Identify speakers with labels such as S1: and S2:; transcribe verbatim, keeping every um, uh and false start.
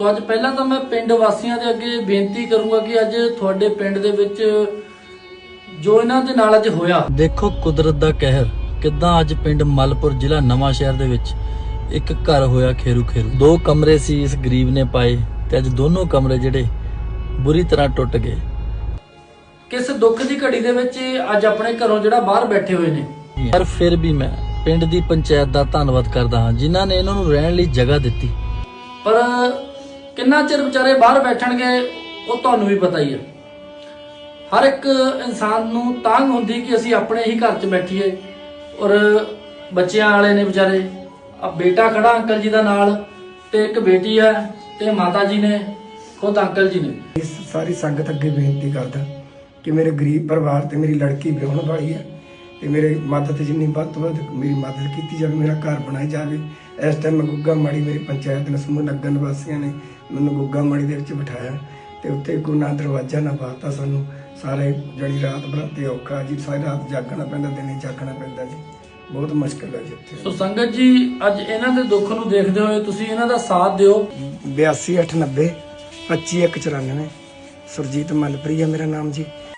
S1: ਅੱਜ ਪਹਿਲਾਂ ਤਾਂ ਮੈਂ ਪਿੰਡ ਵਾਸੀਆਂ ਦੇ ਅੱਗੇ ਬੇਨਤੀ ਕਰੂੰਗਾ ਕਿ ਅੱਜ ਤੁਹਾਡੇ ਪਿੰਡ ਦੇ ਵਿੱਚ ਜੋ ਇਹਨਾਂ ਦੇ ਨਾਲ ਅੱਜ ਹੋਇਆ,
S2: ਦੇਖੋ ਕੁਦਰਤ ਦਾ ਕਹਿਰ ਕਿੱਦਾਂ ਅੱਜ ਪਿੰਡ ਮਲਪੁਰ ਜ਼ਿਲ੍ਹਾ ਨਵਾਂ ਸ਼ਹਿਰ ਦੇ ਵਿੱਚ ਇੱਕ ਘਰ ਹੋਇਆ ਖੇਰੂ ਖੇਰੂ। ਦੋ ਕਮਰੇ ਸੀ ਇਸ ਗਰੀਬ ਨੇ ਪਾਏ ਤੇ ਅੱਜ ਦੋਨੋਂ ਕਮਰੇ ਜਿਹੜੇ ਬੁਰੀ ਤਰ੍ਹਾਂ ਟੁੱਟ ਗਏ।
S1: ਕਿਸ ਦੁੱਖ ਦੀ ਘੜੀ ਦੇ ਵਿੱਚ ਅੱਜ ਆਪਣੇ ਘਰੋਂ ਜਿਹੜਾ ਬਾਹਰ ਬੈਠੇ ਹੋਏ ਨੇ।
S2: ਪਰ ਫਿਰ ਵੀ ਮੈਂ ਪਿੰਡ ਦੀ ਪੰਚਾਇਤ ਦਾ ਧੰਨਵਾਦ ਕਰਦਾ ਹਾਂ ਜਿਨ੍ਹਾਂ ਨੇ ਇਹਨਾਂ ਨੂੰ ਰਹਿਣ ਲਈ ਜਗ੍ਹਾ ਦਿੱਤੀ।
S1: ਪਰ ਕਿੰਨਾ ਚਿਰ ਵਿਚਾਰੇ ਬਾਹਰ ਬੈਠਣਗੇ ਉਹ ਤੁਹਾਨੂੰ ਵੀ ਪਤਾ ਹੀ ਹੈ। ਹਰ ਇੱਕ ਇਨਸਾਨ ਨੂੰ ਤਾਂਘ ਹੁੰਦੀ ਕਿ ਅਸੀਂ ਆਪਣੇ ਹੀ ਘਰ 'ਚ ਬੈਠੀਏ ਔਰ ਬੱਚਿਆਂ ਵਾਲੇ ਨੇ ਵਿਚਾਰੇ। ਆ ਬੇਟਾ ਖੜਾ ਅੰਕਲ ਜੀ ਦਾ ਨਾਲ ਤੇ ਇੱਕ ਬੇਟੀ ਹੈ ਤੇ ਮਾਤਾ ਜੀ ਨੇ, ਖੁਦ ਅੰਕਲ ਜੀ ਨੇ।
S3: ਇਸ ਸਾਰੀ ਸੰਗਤ ਅੱਗੇ ਬੇਨਤੀ ਕਰਦਾ ਕਿ ਮੇਰੇ ਗਰੀਬ ਪਰਿਵਾਰ ਤੇ ਮੇਰੀ ਲੜਕੀ ਵਿਆਹੁਣ ਵਾਲੀ ਹੈ ਤੇ ਮੇਰੇ ਮਦਦ ਜਿੰਨੀ ਵੱਧ ਤੋਂ ਵੱਧ ਮੇਰੀ ਮਦਦ ਕੀਤੀ ਜਾਵੇ, ਮੇਰਾ ਘਰ ਬਣਾਇਆ ਜਾਵੇ। ਇਸ ਟਾਈਮ ਮੈਂ ਗੁੱਗਾ ਮਾੜੀ ਮੇਰੀ ਪੰਚਾਇਤ ਨੇ ਸਮੂਹ ਨਗਰ ਨਿਵਾਸੀਆਂ ਨੇ ਮੈਨੂੰ ਗੁੱਗਾ ਮਾੜੀ ਦੇ ਵਿੱਚ ਬਿਠਾਇਆ ਤੇ ਉੱਥੇ ਕੋਈ ਨਾ ਦਰਵਾਜ਼ਾ ਨਾ ਬਾਤਾ। ਸਾਨੂੰ ਸਾਰੇ ਜਣੀ ਰਾਤ ਬਰਾਤੇ ਔਖਾ ਜੀ, ਸਾਰੀ ਰਾਤ ਜਾਗਣਾ ਪੈਂਦਾ, ਦਿਨੇ ਜਾਗਣਾ ਪੈਂਦਾ ਜੀ, ਬਹੁਤ ਮੁਸ਼ਕਿਲ ਹੈ ਜੀ ਇੱਥੇ।
S1: ਸੋ ਸੰਗਤ ਜੀ ਅੱਜ ਇਹਨਾਂ ਦੇ ਦੁੱਖ ਨੂੰ ਦੇਖਦੇ ਹੋਏ ਤੁਸੀਂ ਇਹਨਾਂ ਦਾ ਸਾਥ ਦਿਓ।
S3: ਬਿਆਸੀ ਅੱਠ ਨੱਬੇ ਪੱਚੀ ਇੱਕ ਚੁਰਾਨਵੇਂ। ਸੁਰਜੀਤ ਮਲਪਰੀ ਹੈ ਮੇਰਾ ਨਾਮ ਜੀ।